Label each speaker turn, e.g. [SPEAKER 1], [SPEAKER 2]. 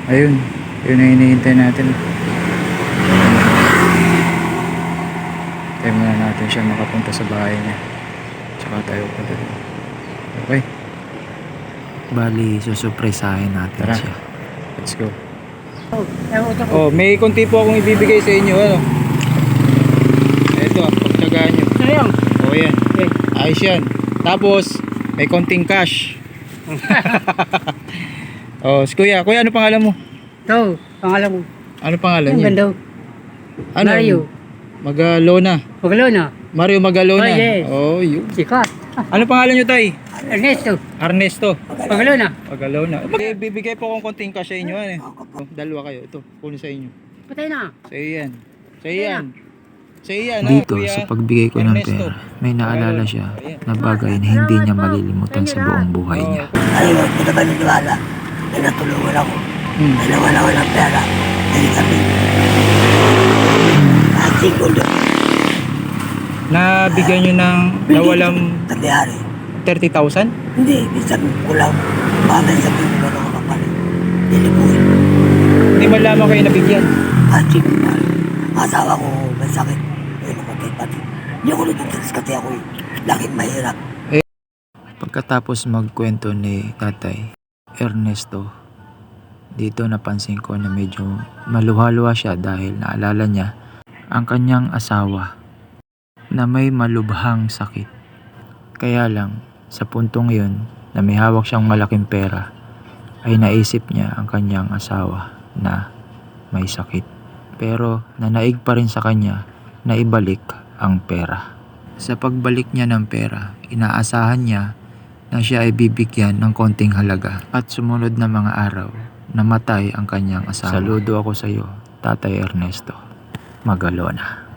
[SPEAKER 1] Ayun, yun ang hinihintay natin. Tayo muna natin siya makapunta sa bahay niya. Tsaka tayo pa doon. Okay,
[SPEAKER 2] Bali, susurpresahin natin
[SPEAKER 1] tara.
[SPEAKER 2] siya.
[SPEAKER 1] Let's go. Oh, may konti po akong ibibigay sa inyo. Ano? Ito, pagtsagaan nyo.
[SPEAKER 3] Sayang.
[SPEAKER 1] Oh, yan.
[SPEAKER 3] Okay.
[SPEAKER 1] Ayos yan. Tapos, may konting cash. Oh, si kuya, ano pangalan mo?
[SPEAKER 3] Ito, pangalan mo.
[SPEAKER 1] Ano pangalan
[SPEAKER 3] Ang
[SPEAKER 1] niya?
[SPEAKER 3] ganda.
[SPEAKER 1] Ano?
[SPEAKER 3] Mario.
[SPEAKER 1] Magalona.
[SPEAKER 3] Magalona.
[SPEAKER 1] Mario Magalona.
[SPEAKER 3] Oh, yes.
[SPEAKER 1] Oh, yun.
[SPEAKER 3] Sikat.
[SPEAKER 1] Ano pangalan nyo, tay?
[SPEAKER 3] Ernesto.
[SPEAKER 1] Ernesto.
[SPEAKER 3] Magalona.
[SPEAKER 1] Magalona. Bibigay po akong konting cash sa inyo. Ano? Oh, dalawa kayo. Ito, kunin sa inyo.
[SPEAKER 3] Patay na.
[SPEAKER 1] Sa iyo yan. Sa iyo yan. Sa iyo yan.
[SPEAKER 2] Dito,
[SPEAKER 1] kuya.
[SPEAKER 2] sa pagbigay ko ng
[SPEAKER 1] Ernesto.
[SPEAKER 2] pera, may naalala siya na bagay na hindi niya malilimutan sa buong buhay niya.
[SPEAKER 4] Ayun, hindi naman niniwala na natulungan ako.
[SPEAKER 1] Hmm.
[SPEAKER 4] Na nawala ko ng pera. Dahil kami. Single doon.
[SPEAKER 1] Nabigyan nyo ng nawalang
[SPEAKER 4] Nangyari.
[SPEAKER 1] 30,000?
[SPEAKER 4] Hindi, minsan kulang. Bagay sabihin mo na ako kapalit. Nilibuhin.
[SPEAKER 1] Hindi man lamang kayo nabigyan.
[SPEAKER 4] Single na. Asawa ko may sakit. Ayun ako kay pati. Hindi ako nagtitris kasi ako laging mahirap.
[SPEAKER 2] Pagkatapos magkwento ni Tatay Ernesto, dito napansin ko na medyo maluha-luha siya dahil naalala niya ang kanyang asawa na may malubhang sakit. Kaya lang, sa puntong yun na may hawak siyang malaking pera, ay naisip niya ang kanyang asawa na may sakit. Pero nanaig pa rin sa kanya na ibalik ang pera. Sa pagbalik niya ng pera, inaasahan niya na siya ay bibigyan ng konting halaga at sumunod na mga araw namatay ang kanyang asawa. Saludo ako sa iyo, Tatay Ernesto Magalona.